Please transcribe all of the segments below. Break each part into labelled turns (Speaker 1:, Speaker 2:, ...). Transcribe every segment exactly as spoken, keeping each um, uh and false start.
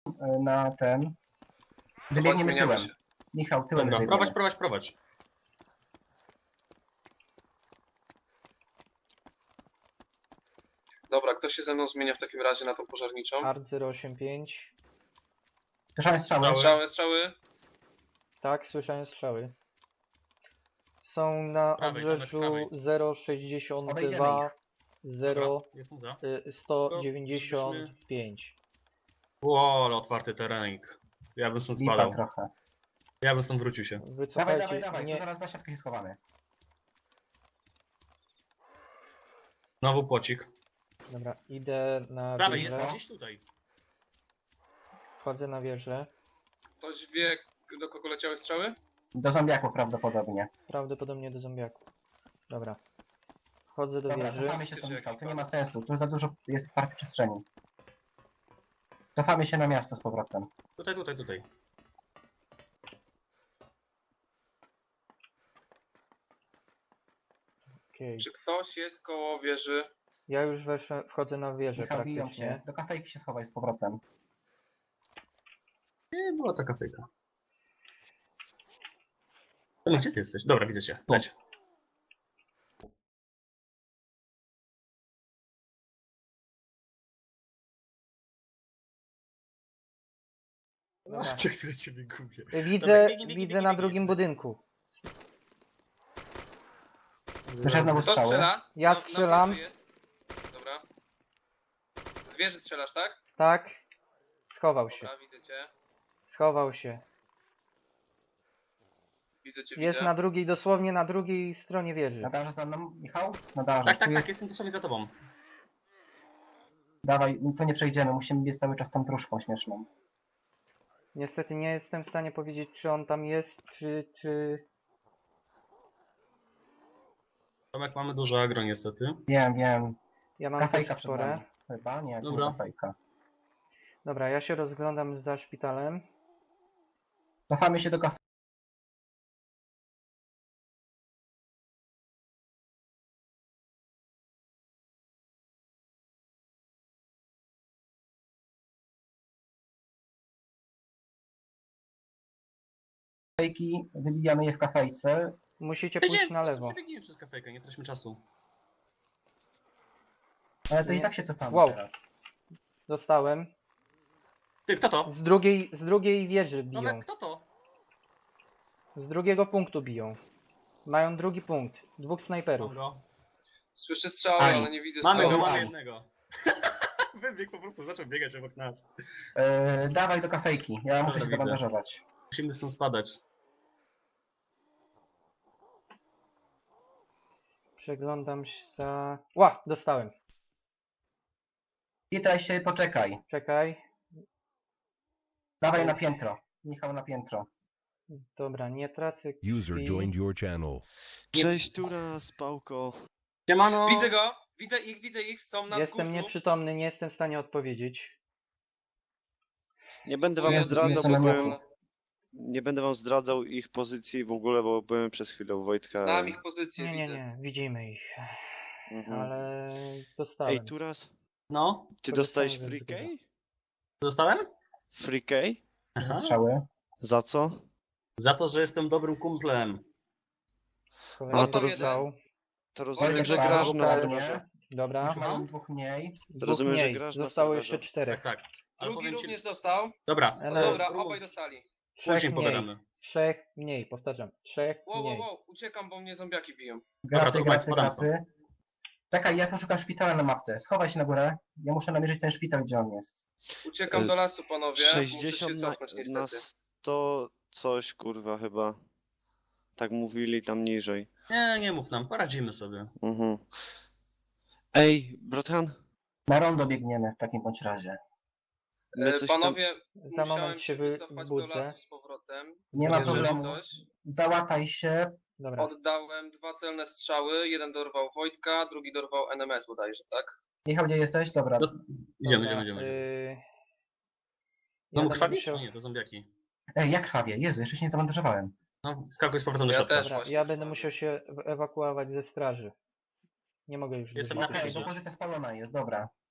Speaker 1: na ten. Wybiegniemy tyłem.
Speaker 2: się.
Speaker 1: Michał, tyłem
Speaker 3: Dobra,
Speaker 1: wybiegniemy.
Speaker 3: prowadź, prowadź, prowadź.
Speaker 2: Dobra, kto się ze mną zmienia w takim razie na tą pożarniczą?
Speaker 4: Art zero osiem pięć.
Speaker 1: Słyszałem strzały.
Speaker 2: Strzały, strzały.
Speaker 4: Tak, słyszałem strzały. Są na
Speaker 3: Prawej,
Speaker 4: obrzeżu
Speaker 3: prawej.
Speaker 4: zero sześćdziesiąt
Speaker 1: Obejdziemy
Speaker 4: dwa,
Speaker 1: ich.
Speaker 4: zero
Speaker 3: Dobra, jestem za.
Speaker 4: sto dziewięćdziesiąt pięć.
Speaker 3: Ło, ale otwarty terenik. Ja bym stąd
Speaker 1: Lipa
Speaker 3: spadał.
Speaker 1: trochę.
Speaker 3: Ja bym stąd wrócił się.
Speaker 1: Dawaj,
Speaker 4: Wycofajcie,
Speaker 1: dawaj, dawaj,
Speaker 4: nie,
Speaker 1: to zaraz za siatkę się schowamy.
Speaker 3: Znowu płocik.
Speaker 4: dobra, idę na
Speaker 3: Prawej jest
Speaker 4: wieżę,
Speaker 3: gdzieś tutaj.
Speaker 4: wchodzę na wieżę,
Speaker 2: Ktoś wie, do kogo leciały strzały?
Speaker 1: Do zombiaków prawdopodobnie.
Speaker 4: prawdopodobnie do zombiaków. Dobra, wchodzę do
Speaker 1: Dobra,
Speaker 4: wieży,
Speaker 1: cofamy się
Speaker 2: Czy
Speaker 1: tu,
Speaker 2: jakiś
Speaker 1: Michał, to nie
Speaker 2: plan?
Speaker 1: ma sensu. Tu za dużo jest otwartej przestrzeni. Cofamy się na miasto z powrotem.
Speaker 3: Tutaj, tutaj, tutaj.
Speaker 4: okej.
Speaker 2: Czy ktoś jest koło wieży?
Speaker 4: Ja już weszłem, wchodzę na wieżę
Speaker 1: Michał, biją się.
Speaker 4: praktycznie.
Speaker 1: Do kafejki się schowaj z powrotem.
Speaker 3: Nie, była taka fejka. No, gdzie ty jesteś? Dobra, widzę cię. Leć.
Speaker 4: Dobra.
Speaker 3: Co chwilę ciebie gubię.
Speaker 4: Widzę,
Speaker 3: Dobra, biegnie, biegnie,
Speaker 4: widzę
Speaker 3: biegnie,
Speaker 4: na
Speaker 3: biegnie,
Speaker 4: drugim
Speaker 3: biegnie.
Speaker 4: budynku.
Speaker 1: Wyszedł znowu
Speaker 2: Kto
Speaker 1: strzały.
Speaker 2: strzela?
Speaker 4: Ja
Speaker 2: Na- na
Speaker 4: strzelam.
Speaker 2: wieży jest. Dobra. Z wieży strzelasz, tak?
Speaker 4: Tak, schował się,
Speaker 2: Dobra, widzę cię.
Speaker 4: schował się.
Speaker 2: Widzę cię,
Speaker 4: Jest
Speaker 2: widzę.
Speaker 4: na drugiej, dosłownie na drugiej stronie wieży.
Speaker 1: Nadarzasz za mną, Michał? Nadarzasz.
Speaker 3: Tak,
Speaker 1: Tu
Speaker 3: tak,
Speaker 1: jest...
Speaker 3: tak, jestem dosłownie za tobą.
Speaker 1: Dawaj, to nie przejdziemy. Musimy biec cały czas tą truszką śmieszną.
Speaker 4: Niestety nie jestem w stanie powiedzieć, czy on tam jest, czy... czy...
Speaker 3: Tomek, mamy dużo agro niestety.
Speaker 1: Wiem, wiem.
Speaker 4: Ja mam
Speaker 1: Kafejka
Speaker 4: też
Speaker 1: przed
Speaker 4: spore.
Speaker 1: nami. Chyba? Nie, to
Speaker 3: Dobra.
Speaker 1: nie kafejka.
Speaker 4: Dobra, ja się rozglądam za szpitalem.
Speaker 1: Cofamy się do kafejki. Wybijamy je w kafejce.
Speaker 4: Musicie pójść na lewo.
Speaker 3: Przebiegniemy przez kafejkę, nie traćmy czasu.
Speaker 1: Ale to
Speaker 4: Nie.
Speaker 1: i tak się cofamy
Speaker 4: Wow.
Speaker 1: teraz.
Speaker 4: Dostałem.
Speaker 3: Ty, kto to?
Speaker 4: Z drugiej, z drugiej wieży biją.
Speaker 3: Tomek, kto to?
Speaker 4: Z drugiego punktu biją. Mają drugi punkt. Dwóch snajperów.
Speaker 3: Dobra.
Speaker 2: Słyszę strzały,
Speaker 1: Aj.
Speaker 2: ale nie widzę
Speaker 3: Mamy go,
Speaker 2: strzały.
Speaker 3: mamy
Speaker 1: Aj.
Speaker 3: jednego. Wybiegł po prostu, zaczął biegać obok nas.
Speaker 1: Yy, dawaj do kafejki. Ja muszę
Speaker 3: Dobra,
Speaker 1: się
Speaker 3: widzę.
Speaker 1: zabandażować.
Speaker 3: Musimy stąd spadać.
Speaker 4: Przeglądam się za... Ła! Dostałem.
Speaker 1: Witaj się, poczekaj.
Speaker 4: Czekaj.
Speaker 1: Dawaj na piętro. Michał na piętro.
Speaker 4: Dobra, nie tracę
Speaker 5: User
Speaker 4: krwi.
Speaker 5: joined your channel.
Speaker 6: Cześć, Tura, spałko.
Speaker 3: Siemano!
Speaker 2: Widzę go! Widzę ich, widzę ich, są na
Speaker 4: Jestem
Speaker 2: wzgórzu.
Speaker 4: nieprzytomny, nie jestem w stanie odpowiedzieć.
Speaker 6: Nie będę wam
Speaker 2: Jezu,
Speaker 6: zdradzał,
Speaker 1: Jezu,
Speaker 6: bo
Speaker 1: na
Speaker 6: byłem,
Speaker 1: miasto.
Speaker 6: nie będę wam zdradzał ich pozycji w ogóle, bo byłem przez chwilę u Wojtka.
Speaker 2: Znam ich pozycję,
Speaker 4: Nie, nie,
Speaker 2: widzę.
Speaker 4: nie, widzimy ich.
Speaker 6: Mhm.
Speaker 4: Ale dostałem.
Speaker 6: Ej, Turas,
Speaker 3: No,
Speaker 6: ty
Speaker 4: To
Speaker 6: dostałeś
Speaker 4: dostałem
Speaker 6: free
Speaker 4: ze zgodą.
Speaker 6: key?
Speaker 3: zostałem?
Speaker 6: Free key?
Speaker 3: Aha.
Speaker 1: Strzały.
Speaker 6: Za co?
Speaker 3: Za to, że jestem dobrym kumplem.
Speaker 4: Kolejny
Speaker 6: A, to roz-
Speaker 4: strzał.
Speaker 6: To rozumiem,
Speaker 2: Wojtek,
Speaker 6: że
Speaker 2: dobra,
Speaker 6: grasz na
Speaker 4: dobra.
Speaker 6: serwerze.
Speaker 4: Dobra.
Speaker 1: Już mają dwóch mniej.
Speaker 4: Dwóch
Speaker 6: Rozumiem, że
Speaker 4: mniej.
Speaker 6: grasz na
Speaker 4: Zostało
Speaker 6: serwerze.
Speaker 4: jeszcze czterech.
Speaker 3: Tak, tak. Ale
Speaker 2: Drugi
Speaker 3: powiem ci...
Speaker 2: również dostał.
Speaker 3: Dobra,
Speaker 4: Ale-
Speaker 2: No dobra,
Speaker 3: Spróbuj.
Speaker 2: obaj dostali.
Speaker 4: Trzech
Speaker 3: Później
Speaker 4: mniej.
Speaker 3: pogadamy.
Speaker 4: Trzech mniej, powtarzam. Trzech
Speaker 2: Wow, wow,
Speaker 4: mniej.
Speaker 2: wow, uciekam, bo mnie zombiaki biją.
Speaker 1: Graty,
Speaker 3: to
Speaker 1: graty,
Speaker 3: spadam
Speaker 1: graty. Czekaj, ja poszukam szpitala na mapce. Schowaj się na górę. Ja muszę namierzyć ten szpital, gdzie on jest.
Speaker 2: Uciekam
Speaker 6: E,
Speaker 2: do lasu, panowie. Muszę się
Speaker 6: sześćdziesiąt
Speaker 2: cofnąć
Speaker 6: na,
Speaker 2: niestety.
Speaker 6: na sto coś, kurwa, chyba. Tak mówili tam niżej.
Speaker 3: Nie, nie mów nam, poradzimy sobie.
Speaker 6: Mhm. Ej, Brothan,
Speaker 1: Na rondo biegniemy w takim bądź razie.
Speaker 6: my
Speaker 2: E,
Speaker 6: coś tam...
Speaker 2: Panowie,
Speaker 4: Za
Speaker 2: musiałem
Speaker 4: moment
Speaker 2: się
Speaker 4: się wy-
Speaker 2: wycofać do
Speaker 4: wbudzę.
Speaker 2: lasu z powrotem.
Speaker 1: Nie ma
Speaker 2: Jeżeli
Speaker 1: problemu.
Speaker 2: coś,
Speaker 1: Załataj się.
Speaker 4: Dobra.
Speaker 2: oddałem dwa celne strzały. Jeden dorwał Wojtka, drugi dorwał N M S bodajże, tak?
Speaker 1: Michał, gdzie jesteś? Dobra.
Speaker 3: No, idziemy,
Speaker 4: Dobra,
Speaker 3: idziemy, idziemy.
Speaker 4: Yy...
Speaker 3: No
Speaker 4: ja
Speaker 3: mu
Speaker 4: będę
Speaker 3: krwawisz?
Speaker 4: musiał-
Speaker 3: No nie, to zombiaki.
Speaker 1: Ej, jak krwawie? Jezu, jeszcze się nie zabandażowałem.
Speaker 3: No, skakuj z powrotem do
Speaker 2: Ja
Speaker 3: środka.
Speaker 2: też.
Speaker 4: Dobra,
Speaker 2: właśnie
Speaker 4: ja będę
Speaker 2: krwawię.
Speaker 4: musiał się w- ewakuować ze straży. Nie mogę już
Speaker 3: Jestem
Speaker 4: dłużej
Speaker 3: na
Speaker 1: Okej,
Speaker 4: siedzieć.
Speaker 1: bo pozycja spalona jest, dobra.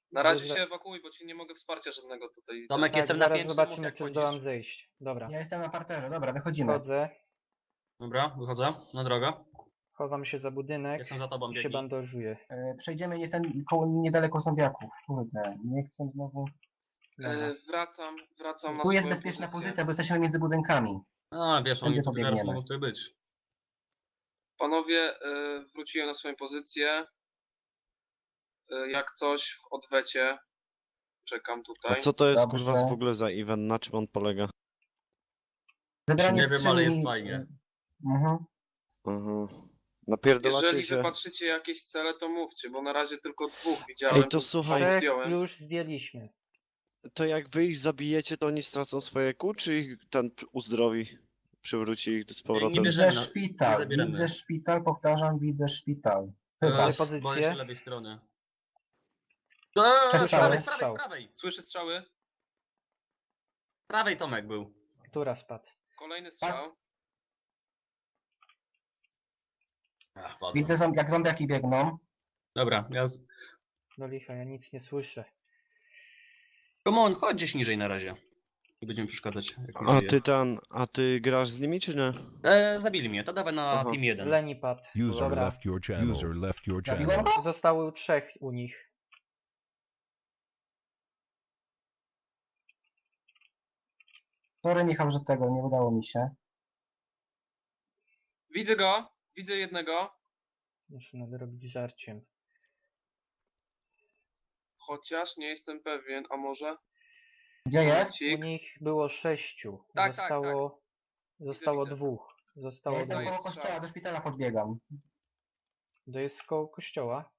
Speaker 2: Na razie
Speaker 4: Dobrze.
Speaker 2: się ewakuuj, bo ci nie mogę wsparcia żadnego tutaj.
Speaker 3: Tomek,
Speaker 4: Tak,
Speaker 3: jestem na
Speaker 4: zaraz
Speaker 3: piętrze, mów
Speaker 4: zobaczymy,
Speaker 3: jak
Speaker 4: czy
Speaker 3: chodzisz.
Speaker 4: zdołam zejść. Dobra,
Speaker 1: Ja jestem na parterze, dobra, wychodzimy.
Speaker 4: wchodzę,
Speaker 3: Dobra, wychodzę na drogę.
Speaker 4: chowam się za budynek
Speaker 3: Jestem za tobą,
Speaker 4: i się
Speaker 3: biegnij.
Speaker 4: bandażuję.
Speaker 1: E, Przejdziemy nie ten, koło, niedaleko zombiaków. Kurde, nie chcę znowu...
Speaker 4: Dobra.
Speaker 2: E, wracam, wracam na
Speaker 1: Tu jest
Speaker 2: swoją
Speaker 1: bezpieczna
Speaker 2: pozycję.
Speaker 1: pozycja, bo jesteśmy między budynkami.
Speaker 3: A, wiesz, oni
Speaker 1: Tędy
Speaker 3: tu teraz
Speaker 1: pobiegniemy.
Speaker 3: mogą tutaj być.
Speaker 2: Panowie, e, wróciłem na swoją pozycję. E, jak coś w odwecie. Czekam
Speaker 6: A
Speaker 2: tutaj.
Speaker 6: co to jest
Speaker 1: Dobrze.
Speaker 6: kurwa w ogóle za event? Na czym on polega?
Speaker 1: Zebranie
Speaker 3: Nie wiem, ale
Speaker 1: skrzyni-
Speaker 3: jest fajnie.
Speaker 1: Mhm.
Speaker 6: Aha. Napierdolacie
Speaker 2: Jeżeli
Speaker 6: się.
Speaker 2: wypatrzycie jakieś cele, to mówcie, bo na razie tylko dwóch widziałem.
Speaker 6: Ej, to słuchaj.
Speaker 2: dwóch
Speaker 4: Trzech
Speaker 2: zdjąłem.
Speaker 4: już zdjęliśmy.
Speaker 6: To jak wy ich zabijecie, to oni stracą swoje kół, czy ich ten uzdrowi? Przywróci ich z powrotem?
Speaker 3: Nie bierzemy.
Speaker 1: Widzę
Speaker 3: no, nie
Speaker 1: szpital,
Speaker 3: zabieramy.
Speaker 1: widzę szpital, powtarzam, widzę szpital. Chyba.
Speaker 3: Chyba.
Speaker 4: pozycje?
Speaker 3: Boję się lewej strony. Eee, z
Speaker 1: Przestrzały.
Speaker 3: prawej, z prawej,
Speaker 4: Strzał.
Speaker 3: z prawej.
Speaker 2: Słyszę strzały.
Speaker 3: Z prawej Tomek był.
Speaker 4: Która spadł?
Speaker 2: Kolejny strzał.
Speaker 3: Ach, padłem.
Speaker 1: Widzę, zom- jak zombiaki biegną.
Speaker 3: Dobra, ja z...
Speaker 4: No licha, ja nic nie słyszę.
Speaker 3: Come on, chodź gdzieś niżej na razie. Nie będziemy przeszkadzać. Jak mi
Speaker 6: A
Speaker 3: żyje.
Speaker 6: ty ten, a ty grasz z nimi, czy nie?
Speaker 3: E, zabili mnie, to dawaj na
Speaker 6: Aha.
Speaker 3: team jeden.
Speaker 4: Leni padł.
Speaker 5: User
Speaker 4: Dobra,
Speaker 5: left your channel. User left your channel.
Speaker 1: Zabiłem go?
Speaker 4: zostało trzech u nich.
Speaker 1: Sorry Michał, że tego nie udało mi się.
Speaker 2: Widzę go. Widzę jednego.
Speaker 4: Muszę nadrobić żarciem.
Speaker 2: Chociaż nie jestem pewien, a może?
Speaker 1: Gdzie jest?
Speaker 4: U
Speaker 2: Cik.
Speaker 4: nich było sześciu.
Speaker 2: Tak, tak,
Speaker 4: zostało zostało
Speaker 2: widzę.
Speaker 4: dwóch.
Speaker 1: Ja
Speaker 4: Zostało
Speaker 1: jestem
Speaker 2: Oddaję
Speaker 1: koło
Speaker 4: dwóch.
Speaker 2: strzał.
Speaker 1: kościoła, do szpitala podbiegam.
Speaker 4: To jest koło kościoła.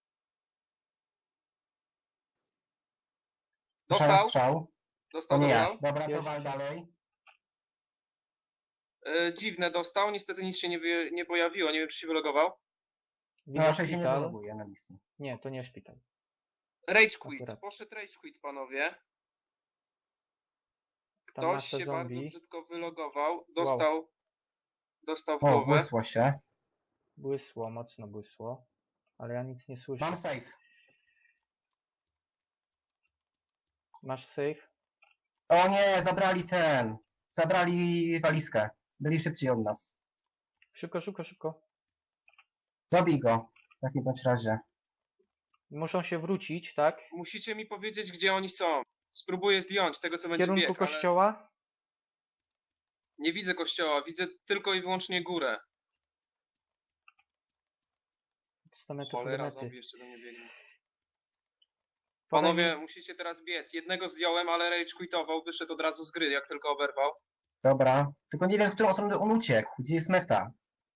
Speaker 1: Słyszałem
Speaker 2: Dostał.
Speaker 1: strzał.
Speaker 2: Dostał,
Speaker 1: To nie ja.
Speaker 2: dostał.
Speaker 1: Dobra, to
Speaker 4: Jeszcze.
Speaker 1: wal dalej.
Speaker 2: E, dziwne dostał. Niestety nic się nie, wy, nie pojawiło. Nie wiem, czy się wylogował.
Speaker 1: No,
Speaker 4: Widzę
Speaker 1: raczej się nie
Speaker 4: szpital.
Speaker 1: wyloguje na listy.
Speaker 4: Nie, to nie szpital.
Speaker 2: Rage quit.
Speaker 4: Akurat.
Speaker 2: Poszedł rage quit, panowie.
Speaker 4: Tam
Speaker 2: Ktoś
Speaker 4: masę
Speaker 2: się bardzo
Speaker 4: zombie.
Speaker 2: brzydko wylogował. Dostał. Dostał w
Speaker 1: O,
Speaker 2: głowę.
Speaker 1: błysło się.
Speaker 4: Błysło, mocno błysło. Ale ja nic nie słyszę.
Speaker 1: Mam safe.
Speaker 4: Masz safe?
Speaker 1: O nie, zabrali ten. Zabrali walizkę. Byli szybciej od nas.
Speaker 4: Szybko, szybko, szybko.
Speaker 1: Dobij go. W takim bądź razie.
Speaker 4: Muszą się wrócić, tak?
Speaker 2: Musicie mi powiedzieć, gdzie oni są. Spróbuję zdjąć tego, co
Speaker 4: W
Speaker 2: będzie
Speaker 4: kierunku
Speaker 2: bieg, ale
Speaker 4: kościoła?
Speaker 2: nie widzę kościoła. Widzę tylko i wyłącznie górę.
Speaker 4: sto metrów
Speaker 2: Cholera,
Speaker 4: do mety.
Speaker 2: zombie jeszcze do mnie biegnie.
Speaker 4: Podaj
Speaker 2: Panowie,
Speaker 4: mi-
Speaker 2: musicie teraz biec. Jednego zdjąłem, ale rage quitował. Wyszedł od razu z gry, jak tylko oberwał.
Speaker 1: Dobra. Tylko nie wiem, w którą stronę on uciekł. Gdzie jest meta?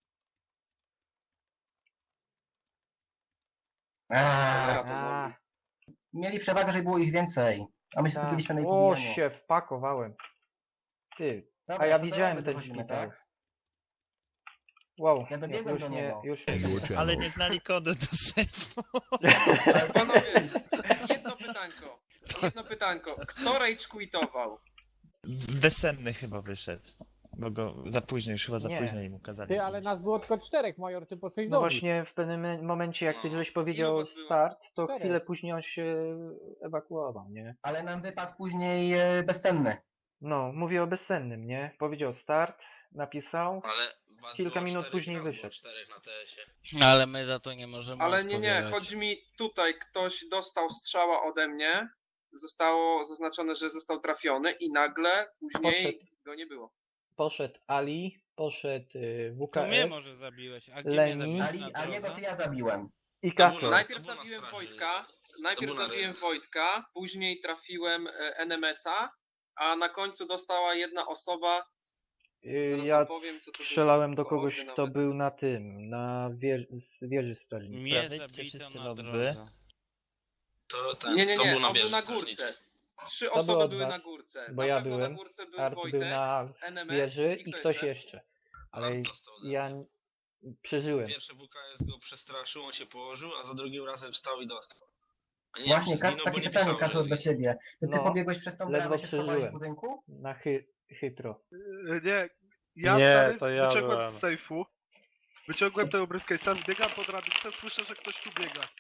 Speaker 2: Cholera,
Speaker 1: Eee,
Speaker 2: to
Speaker 4: A,
Speaker 2: zombie.
Speaker 1: mieli przewagę, że było ich więcej. A my się
Speaker 4: tak.
Speaker 1: skupiliśmy na ich
Speaker 4: O,
Speaker 1: pobijaniu.
Speaker 4: się wpakowałem. Ty.
Speaker 1: Dobra,
Speaker 4: A ja
Speaker 1: to
Speaker 4: widziałem
Speaker 1: dalej
Speaker 4: ten
Speaker 1: wychodzimy,
Speaker 4: szpital.
Speaker 1: tak?
Speaker 4: Wow,
Speaker 1: Ja dobiegłem
Speaker 4: już
Speaker 1: do
Speaker 4: nie,
Speaker 1: niego.
Speaker 4: już
Speaker 5: Your channel.
Speaker 7: Ale nie znali kodu do sejfu.
Speaker 2: Ale panowie, jedno pytanko. Jedno pytanko. Kto rage quitował?
Speaker 7: Bezsenny chyba wyszedł. Bo go za późno, już chyba za
Speaker 4: Nie.
Speaker 7: późno im ukazali.
Speaker 8: Ty, ale nas było tylko czterech, major, ty po coś
Speaker 4: No
Speaker 8: dobił.
Speaker 4: właśnie w pewnym me- momencie, jak ty
Speaker 2: No.
Speaker 4: żeś
Speaker 2: Ilu
Speaker 4: powiedział
Speaker 2: was było?
Speaker 4: start, to
Speaker 8: Czterech.
Speaker 4: chwilę później on się ewakuował, nie?
Speaker 1: Ale nam wypadł później e, bezcenny.
Speaker 4: No, mówię o bezsennym, nie? Powiedział start, napisał.
Speaker 9: Ale was
Speaker 4: Kilka
Speaker 9: było
Speaker 4: minut
Speaker 9: czterech,
Speaker 4: później
Speaker 9: nas było
Speaker 4: wyszedł.
Speaker 9: czterech na T S-ie. Ale my za to nie możemy
Speaker 2: Ale nie, nie.
Speaker 9: odpowiadać.
Speaker 2: Chodzi mi tutaj. Ktoś dostał strzała ode mnie. Zostało zaznaczone, że został trafiony i nagle później
Speaker 4: Poszedł.
Speaker 2: go nie było.
Speaker 4: Poszedł Ali, poszedł y,
Speaker 9: To mnie
Speaker 4: W K S
Speaker 9: może zabiłeś, a gdzie
Speaker 4: Leni.
Speaker 9: mnie zabiłeś
Speaker 1: Ali,
Speaker 9: na
Speaker 1: Aliego
Speaker 9: drodze?
Speaker 1: to ja zabiłem.
Speaker 4: i
Speaker 9: To był
Speaker 4: Kato.
Speaker 9: na-
Speaker 2: Najpierw
Speaker 9: to było na
Speaker 2: zabiłem
Speaker 9: straży.
Speaker 2: Wojtka. Najpierw
Speaker 9: było na
Speaker 2: zabiłem
Speaker 9: rynku.
Speaker 2: Wojtka, później trafiłem e, N M S-a, a na końcu dostała jedna osoba.
Speaker 4: Y,
Speaker 2: Zaraz
Speaker 4: Ja
Speaker 2: wam powiem, co to
Speaker 4: strzelałem do
Speaker 2: było.
Speaker 4: kogoś,
Speaker 2: Ordy
Speaker 4: kto
Speaker 2: nawet.
Speaker 4: był na tym, na wieży, z wieży strażniczej.
Speaker 9: Mnie
Speaker 7: Wyjdźcie
Speaker 9: zabito
Speaker 7: wszyscy
Speaker 9: na
Speaker 7: lobby.
Speaker 9: drodze. To ten,
Speaker 2: Nie, nie,
Speaker 9: to
Speaker 2: nie,
Speaker 9: był na
Speaker 2: on był
Speaker 9: wieży
Speaker 2: na
Speaker 9: strażniczej.
Speaker 2: górce. Trzy
Speaker 4: To
Speaker 2: osoby
Speaker 4: było od
Speaker 2: były
Speaker 4: was,
Speaker 2: na górce.
Speaker 4: bo
Speaker 2: na
Speaker 4: ja
Speaker 2: pewno
Speaker 4: byłem,
Speaker 2: na górce był
Speaker 4: Art
Speaker 2: Wojtek,
Speaker 4: był na
Speaker 2: N M S
Speaker 4: wieży
Speaker 2: i
Speaker 4: i
Speaker 2: kto
Speaker 4: ktoś
Speaker 2: jeszcze?
Speaker 4: jeszcze. Ale
Speaker 9: Art dostał ode
Speaker 4: ja n- przeżyłem.
Speaker 9: Pierwszy W K S go przestraszył, on się położył, a za drugim razem wstał i dostał. A nie
Speaker 1: Właśnie,
Speaker 9: wiem, czy
Speaker 1: Kat,
Speaker 9: zginął, bo
Speaker 1: takie
Speaker 9: nie
Speaker 1: pytanie,
Speaker 9: pisało, że
Speaker 1: Kato, dla
Speaker 9: zginął.
Speaker 1: ciebie. To ty
Speaker 4: No,
Speaker 1: pobiegłeś przez tą
Speaker 4: ledwo
Speaker 1: bramę, się schowałeś w
Speaker 4: przeżyłem.
Speaker 1: budynku?
Speaker 4: Na chy, chytro.
Speaker 10: Nie, ja
Speaker 11: Nie,
Speaker 10: stary,
Speaker 11: to ja
Speaker 10: wyciągłem
Speaker 11: byłem.
Speaker 10: z sejfu, wyciągłem tego briefcase'a, zbiegam po drabince, słyszę, że ktoś tu biega.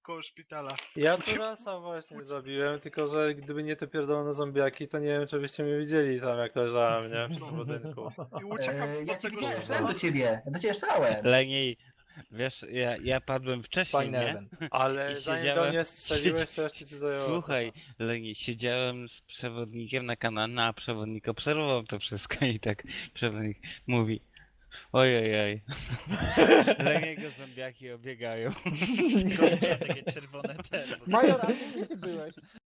Speaker 10: koło szpitala.
Speaker 11: Ja Turasa właśnie zabiłem, tylko że gdyby nie te pierdolone zombiaki, to nie wiem, czy byście mnie widzieli tam, jak leżałem, nie? W tym budynku.
Speaker 10: I uciekam
Speaker 1: E,
Speaker 10: z
Speaker 1: ja cię
Speaker 10: tego
Speaker 1: widziałem,
Speaker 10: szpitala.
Speaker 1: strzelam do ciebie. Ja do ciebie strzelałem.
Speaker 12: Leniej, wiesz, ja, ja padłem wcześniej,
Speaker 4: Fajny
Speaker 12: nie?
Speaker 4: event.
Speaker 11: Ale
Speaker 12: I
Speaker 11: zanim
Speaker 12: siedziałem-
Speaker 11: do mnie strzeliłeś, to jeszcze ci zajęło.
Speaker 12: Słuchaj, Leni, siedziałem z przewodnikiem na kanale, a przewodnik obserwował to wszystko i tak przewodnik mówi ojej, Leniego zombiaki obiegają.
Speaker 7: Tylko widziałem takie czerwone te.
Speaker 8: Major, a gdzie ty byłeś?